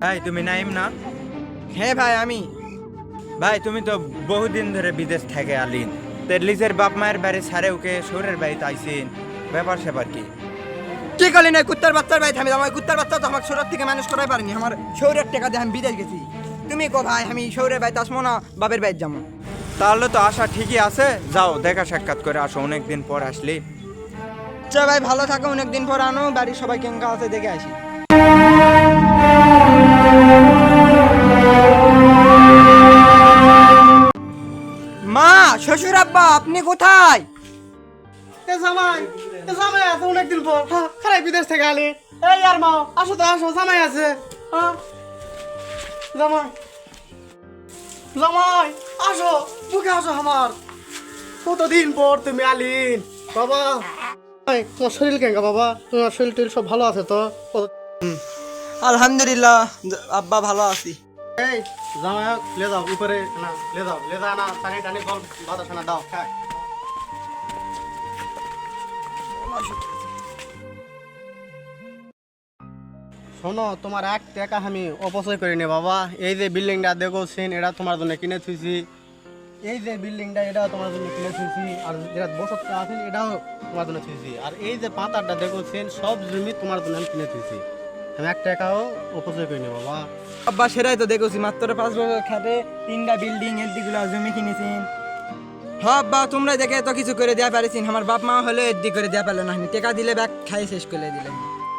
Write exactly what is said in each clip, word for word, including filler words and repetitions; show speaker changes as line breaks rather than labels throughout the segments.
ভাই তুমি নাইম না?
হ্যাঁ ভাই আমি।
ভাই তুমি তো বহুদিন ধরে বিদেশ থেকে আলিন, তো লিজের বাপ মায়ের বাড়ি ছাড়ে ওকে শহরের বাড়িতে আইসিন, ব্যাপার স্যাপার কি?
কি করলি না কুত্তার বাচ্চার ভাই থামি আমার কুত্তার বাচ্চা তো আমার শহরের থেকে মানুষ করাই পারিনি, আমার শহরের টাকা দিয়ে আমি বিদেশ গেছি। তুমি কো ভাই আমি শহরের বাড়িতে আসবো না বাপের বাড়িতে যাবো?
তাহলে তো আশা ঠিকই আছে, যাও দেখা সাক্ষাৎ করে আসো, অনেকদিন পর আসলি।
আচ্ছা ভাই ভালো থাকো, অনেকদিন পর আনো, বাড়ির সবাই কেঙ্কা আছে দেখে আসি। মা, শ্বশুর আব্বা আপনি কোথায়?
এ জামাই এ জামাই আছে অনেকদিন পর। হ্যাঁ খারাই বিদেশ থেকে আলি। এই আর মা আসো তো আসো, জামাই আছে। হ্যাঁ জামাই জামাই আসো, মুখে আসো আমার। কতদিন পর তুমি আলিন বাবা। এই, তোমার শরীর কেঙ্গা বাবা? তোমার শরীর টরীর সব ভালো আছে তো? কত-
আলহামদুলিল্লাহ আব্বা ভালো আছি।
এই জামাই লে যাও উপরে, না লে যাও লে যাও না, টানি টানি জল বাতাস না দাও খাক। শোনো, তোমার এক টাকা আমি অপচয় করিনি বাবা। এই যে বিল্ডিংটা দেখোছেন, এটা তোমার জন্য কিনে থুইছি। এই যে বিল্ডিংটা এটাও তোমার জন্য কিনে থুইছি। আর যেটা বসতটা আছেন এটাও তোমার জন্য থুইছি। আর এই যে পাতাটা দেখোছেন, সব জমি তোমার জন্য আমি কিনে থুইছি। আমি এক টাকাও অপচয় করিনি বাবা।
আব্বা সেটাই তো দেখেছি, মাত্র পাঁচ বছর খাতে তিনটা বিল্ডিং এর দিগুলো জমি কিনেছেন। হ্যাঁ আব্বা তোমরা দেখে তো কিছু করে দেওয়া পারেছেন, আমার বাপ মা হলে এর দিক করে দেওয়া পারলো না, টাকা দিলে ব্যাগ খাই শেষ করে দিলেন।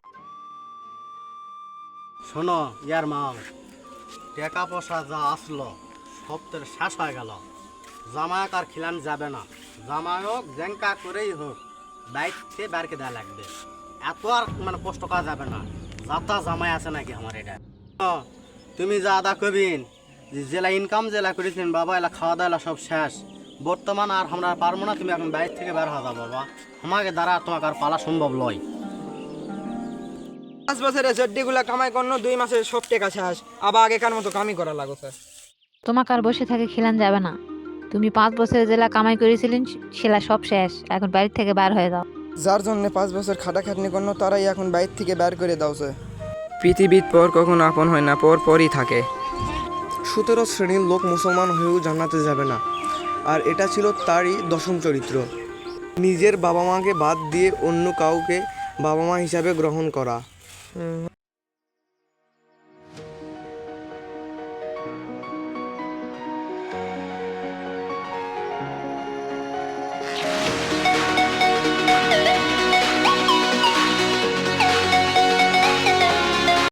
শোনো ইয়ার মা, টাকা পয়সা যা আসলো সব তো শেষ হয়ে গেল। জামায়ক আর খিলান যাবে না। জামায়ক জেঙ্কা করেই হোক বাইককে বারকে দেওয়া লাগবে। এত আর মানে কষ্ট করা যাবে না। যাতা জামাই আছে নাকি আমার এটা? ও, তুমি যা আদা কবিন যে জেলা ইনকাম জেলা করেছেন বাবা, এলা খাওয়া দাওয়া এলা সব শেষ। বর্তমান আর আমরা পারবো না, তুমি এখন বাইক থেকে বের হওয়া বাবা। আমাকে দ্বারা তোমাকে আর পালা সম্ভব নয়।
পাঁচ বছরে জড্ডিগুলা কামাই করলো, দুই মাসে সব টাকা শেষ, আবার আগেকার মতো কামই করা লাগো স্যার।
তোমাকে আর বসে থেকে খিলান যাবে না। তুমি পাঁচ বছরে জেলা কামাই করেছিলেন সেলা সব শেষ, এখন বাড়ি থেকে বার হয়ে যাও।
যার জন্য পাঁচ বছর খাটাখাটনি করলো তারাই এখন বাইর থেকে বের করে দাও স্যার। পৃথিবীর পর কখনো আপন হয় না, পর পরই থাকে।
সতেরো শ্রেণীর লোক মুসলমান হয়েও জান্নাতে যাবে না, আর এটা ছিল তারই দশম চরিত্র। নিজের বাবা মাকে বাদ দিয়ে অন্য কাউকে বাবা মা হিসাবে গ্রহণ করা।